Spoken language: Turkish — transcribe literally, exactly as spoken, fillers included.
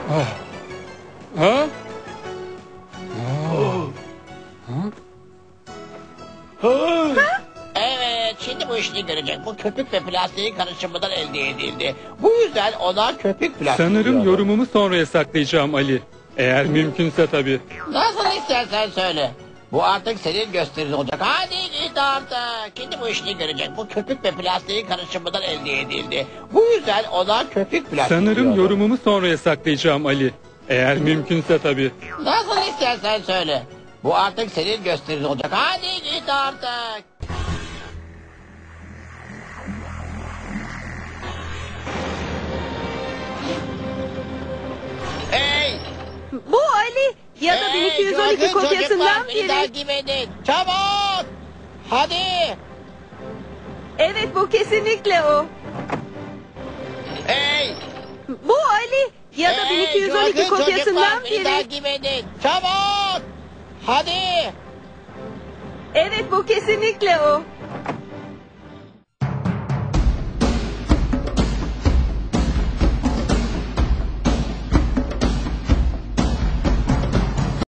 Ah. Ha? Ah. Ha? Evet, şimdi bu işini görecek. Bu köpük ve plastiğin karışımından elde edildi. Bu yüzden ona köpük plastik Sanırım diyorum. yorumumu sonraya saklayacağım Ali. Eğer mümkünse tabii. Nasıl istersen söyle. Bu artık senin gösterin olacak. Hadi git artık. Şimdi bu işini görecek. Bu köpük ve plastiğin karışımından elde edildi. Bu yüzden ona köpük plastik Sanırım diyorum. yorumumu sonraya saklayacağım Ali. Eğer mümkünse tabii. Nasıl istersen söyle. Bu artık senin gösterin olacak. Hadi git artık. Hey! Bu Ali ya da bin iki yüz on iki Hey, çılgın kopyasından çocuklar, beni biri. takip edin. Çabuk! Hadi! Evet, bu kesinlikle o. Hey! Bu Ali ya da bin iki yüz on iki çılgın kopyasından çocuklar, beni biri. takip edin. Çabuk! Hadi! Evet, bu kesinlikle o.